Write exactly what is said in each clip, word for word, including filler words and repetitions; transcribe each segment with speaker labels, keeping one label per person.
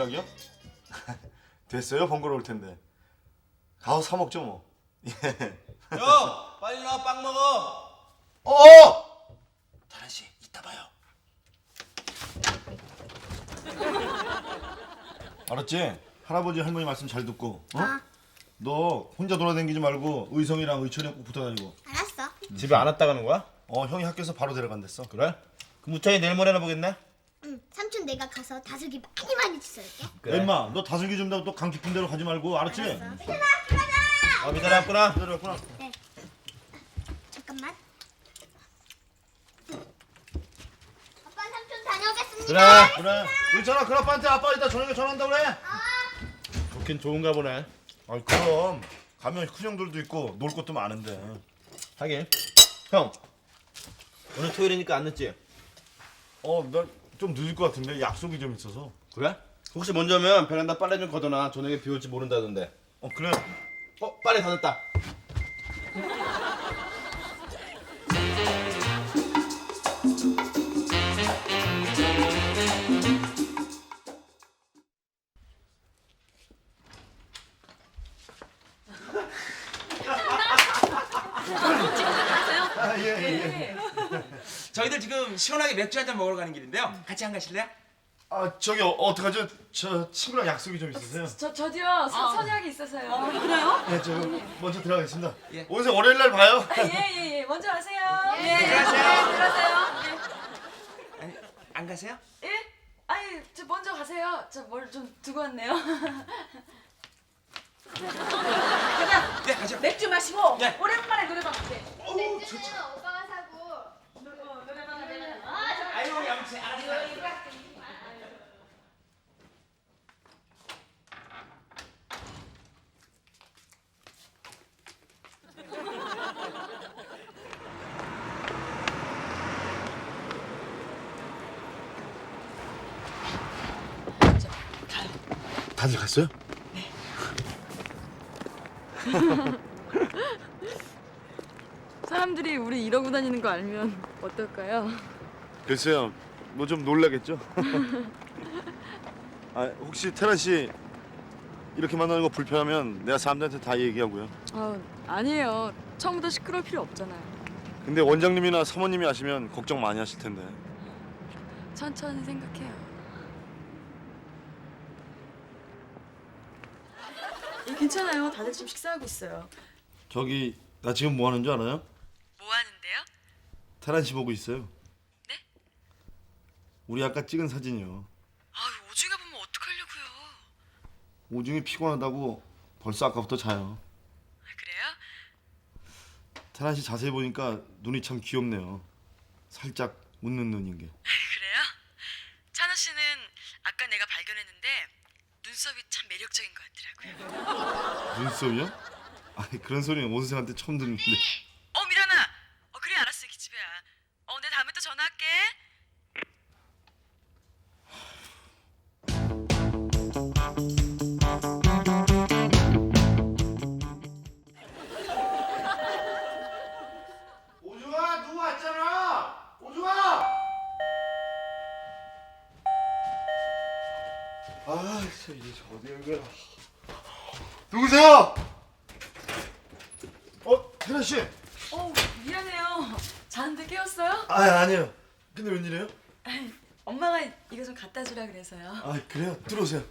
Speaker 1: 저녁이요? 됐어요. 번거로울 텐데. 가서 사 먹죠 뭐. 예.
Speaker 2: 형 빨리 나와 빵 먹어.
Speaker 1: 어! 다란 씨, 이따 봐요. 알았지? 할아버지 할머니 말씀 잘 듣고. 어?
Speaker 3: 아.
Speaker 1: 너 혼자 돌아다니지 말고 의성이랑 의철이랑 꼭 붙어 다니고.
Speaker 3: 알았어.
Speaker 2: 집에 안 왔다 가는 거야?
Speaker 1: 어, 형이 학교에서 바로 데려간댔어.
Speaker 2: 그래? 그럼 우찬이 내일 모레나 보겠네?
Speaker 3: 응. 삼촌 내가 가서 다슬기 많이 많이 주워올게.
Speaker 2: 그래.
Speaker 1: 엠마, 너 다슬기 준다고 또 강 깊은 데로 가지 말고, 알았지?
Speaker 3: 알았어. 미선아, 가자.
Speaker 2: 어 미달아 왔구나.
Speaker 1: 데려갔구나.
Speaker 3: 네. 잠깐만. 아빠 삼촌 다녀오겠습니다.
Speaker 2: 그래.
Speaker 1: 그래. 의철아, 그 아빠한테 아빠 이따 저녁에 전화한다 그래.
Speaker 2: 좋긴 좋은가 보네.
Speaker 1: 아이 그럼 가면 큰 형들도 있고 놀 것도 많은데.
Speaker 2: 하긴. 형 오늘 토요일이니까 안 늦지?
Speaker 1: 어, 나 좀 늦을 것 같은데 약속이 좀 있어서.
Speaker 2: 그래? 혹시 먼저 오면 베란다 빨래 좀 걷어놔. 저녁에 비 올지 모른다던데.
Speaker 1: 어, 그래.
Speaker 2: 어 빨래 다 됐다.
Speaker 1: 아, 예, 예.
Speaker 4: 저희들 지금 시원하게 맥주 한잔 먹으러 가는 길인데요. 같이 안 가실래요?
Speaker 1: 아, 저기 어, 어떡하죠? 저 친구랑 약속이 좀 있으세요.
Speaker 5: 저 저도요 서, 선약이 있어서요.
Speaker 6: 그래요?
Speaker 1: 예, 저 먼저 들어가겠습니다.
Speaker 4: 예.
Speaker 1: 오늘 월요일 날 봐요.
Speaker 5: 예예예 예. 먼저 가세요. 예.
Speaker 4: 들어가세요.
Speaker 5: 들어가세요.
Speaker 4: 아니, 안 가세요?
Speaker 5: 예. 예? 아니 저 먼저 가세요. 저 뭘 좀 두고 왔네요.
Speaker 6: 가자.
Speaker 4: 네, 가죠.
Speaker 6: 맥주 마시고
Speaker 4: 네.
Speaker 6: 오랜만에 노래방 갈게.
Speaker 3: 맥주는 오빠가 사고.
Speaker 4: 아유, 양치 알았어요.
Speaker 1: 다들 갔어요?
Speaker 5: 사람들이 우리 이러고 다니는 거 알면 어떨까요?
Speaker 1: 글쎄요. 뭐 좀 놀라겠죠? 아, 혹시 태란 씨 이렇게 만나는 거 불편하면 내가 사람들한테 다 얘기하고요.
Speaker 5: 아 아니에요. 처음부터 시끄러울 필요 없잖아요.
Speaker 1: 근데 원장님이나 사모님이 아시면 걱정 많이 하실 텐데.
Speaker 5: 천천히 생각해요. 예, 괜찮아요. 다들 지금 식사하고 있어요.
Speaker 1: 저기 나 지금 뭐 하는 줄 알아요?
Speaker 5: 뭐 하는데요?
Speaker 1: 태란 씨 보고 있어요.
Speaker 5: 네?
Speaker 1: 우리 아까 찍은 사진이요.
Speaker 5: 아 오중에 보면 어떡하려고요?
Speaker 1: 오중이 피곤하다고 벌써 아까부터 자요.
Speaker 5: 아, 그래요?
Speaker 1: 태란 씨 자세히 보니까 눈이 참 귀엽네요. 살짝 웃는 눈인 게.
Speaker 5: 그래요? 찬호 씨는 아까 내가 발견했는데 눈썹이 참 매력적인 것 같더라고요.
Speaker 1: 눈썹이요? 아니 그런 소리는 원수한테 처음 듣는데.
Speaker 5: 어 미란아. 어 그래 알았어 기집애야. 어 내 다음에 또 전화할게.
Speaker 1: 오중아 누구 왔잖아. 오중아. 아, 진짜 이게 어디 온 거야? 누구세요? 어, 태란 씨.
Speaker 5: 어 미안해요. 자는데 깨웠어요?
Speaker 1: 아, 아니에요. 근데 웬일이에요?
Speaker 5: 엄마가 이거 좀 갖다 주라 그래서요.
Speaker 1: 아, 그래요? 들어오세요.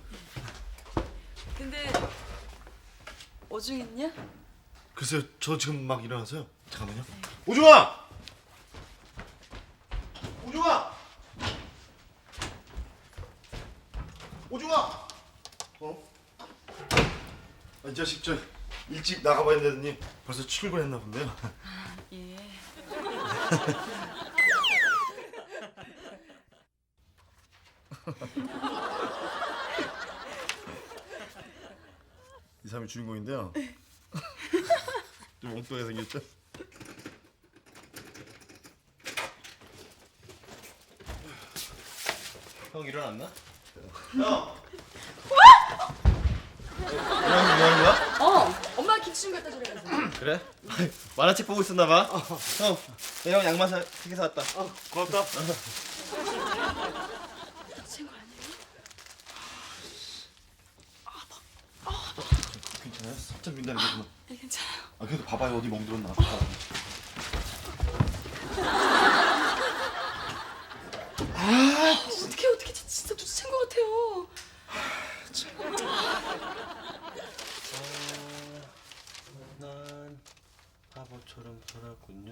Speaker 5: 근데 오중 있냐?
Speaker 1: 글쎄요, 저 지금 막 일어나서요. 잠깐만요. 오중아! 오중아! 오중아! 어? 아, 이 자식 저 일찍 나가봐야 되더니 벌써 출근했나 본데요.
Speaker 5: 예.
Speaker 1: 이 사람이 주인공인데요. 좀 엉뚱하게 생겼죠?
Speaker 2: 형 일어났나? 형. 일어나서 뭐 하는 거야?
Speaker 5: 어 엄마가 김치 좀 갖다 주라 그래서.
Speaker 2: 그래? 만화책 보고 있었나 봐. 형, 내가 형 양말 사, 세개 사왔다.
Speaker 1: 어, 고맙다.
Speaker 5: 친구 아니에요?
Speaker 1: 그래 살짝 민다는 거지만.
Speaker 5: 네, 괜찮아요.
Speaker 1: 아 그래도 봐봐요 어디 멍들었나.
Speaker 5: 어떻게 어떻게 진짜 눈치챈 것 같아요.
Speaker 2: 난 바보처럼 살았군요.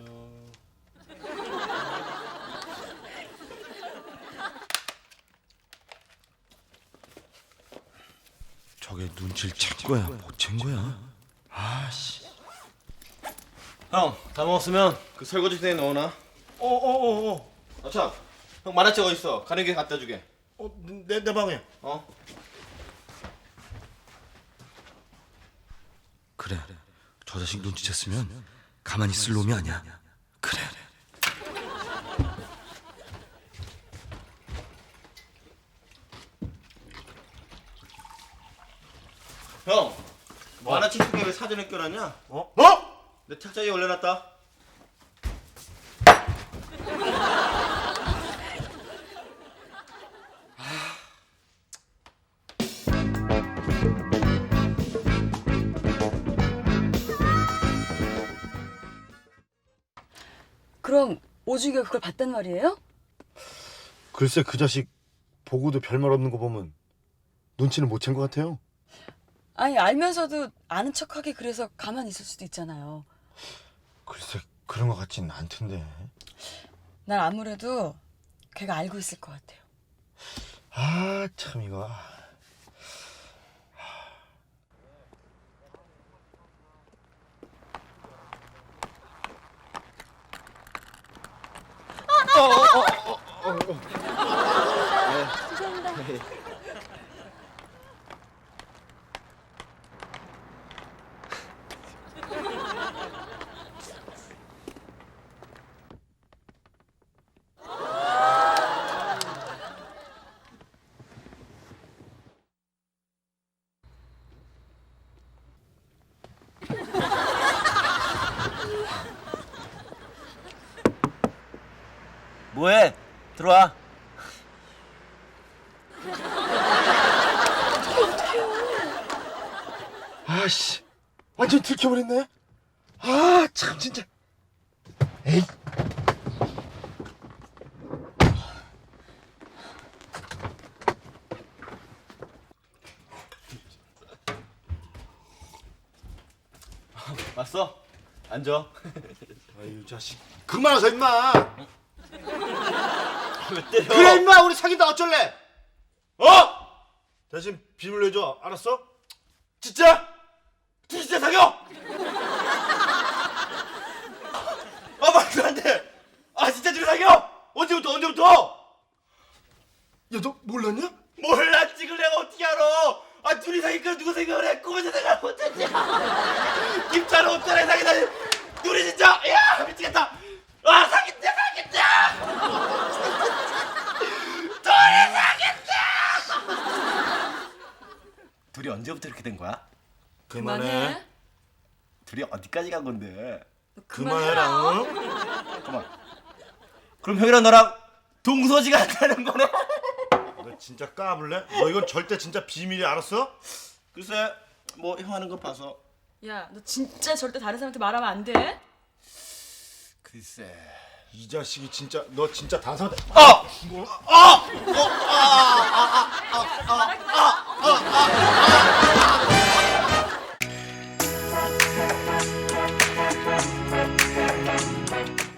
Speaker 1: 저게 눈치를 챈 거야 못 챈 거야. 아씨.
Speaker 2: 형, 다 먹었으면 그 설거지대에 넣어놔.
Speaker 1: 어어어 어.
Speaker 2: 아참, 형 만화책 어디 있어? 가는 길에 갖다 주게.
Speaker 1: 어내 내 방에.
Speaker 2: 어?
Speaker 1: 그래. 저 자식 눈치챘으면 가만히 있을 놈이 아니야. 그래.
Speaker 2: 형, 만화책 속에 왜 사진을 껴놨냐?
Speaker 1: 어? 어?
Speaker 2: 내 책자리에 올려놨다.
Speaker 5: 그럼 오중이가 그걸 봤단 말이에요?
Speaker 1: 글쎄 그 자식 보고도 별말 없는 거 보면 눈치는 못 챈 것 같아요.
Speaker 5: 아니 알면서도 아는 척하게 그래서 가만히 있을 수도 있잖아요.
Speaker 1: 글쎄 그런 것 같지는 않던데.
Speaker 5: 난 아무래도 걔가 알고 있을 것 같아요.
Speaker 1: 아 참 이거.
Speaker 2: 뭐해? 들어와.
Speaker 1: 아씨 완전 들켜버렸네. 아 참 진짜. 에이.
Speaker 2: 왔어? 앉아.
Speaker 1: 아유 자식 그만하자 임마.
Speaker 2: 왜 때려?
Speaker 1: 그래 임마 우리 사귄다 어쩔래? 어? 대신 빔을 내줘 알았어? 진짜? 진짜 사겨?
Speaker 2: 아 말도 안 돼. 아 진짜 둘이 사겨? 언제부터 언제부터?
Speaker 1: 야 너 몰랐냐?
Speaker 2: 몰랐지. 그걸 내가 어떻게 알아? 아 둘이 사귀니까 누구 생각을 해? 꿈에서 생각을 못했지. 김찬호 옷자리 사귀다니. 둘이 진짜 야 미치겠다. 아 사귀자 사귀자. 둘이 사귀자. 둘이 언제부터 이렇게 된 거야?
Speaker 1: 그만해.
Speaker 2: 둘이 어디까지 간 건데?
Speaker 1: 그만해라. 어?
Speaker 2: 잠깐만. 그럼 형이랑 너랑 동서지가 한다는 거네?
Speaker 1: 너 진짜 까불래? 너 이건 절대 진짜 비밀이 알았어?
Speaker 2: 글쎄 뭐 형 하는 거 봐서.
Speaker 6: 야, 너 진짜 절대 다른 사람한테 말하면 안 돼.
Speaker 2: 글쎄.
Speaker 1: 이 자식이 진짜 너 진짜 단상.
Speaker 2: 어!
Speaker 1: 뭐?
Speaker 6: 말하지 마.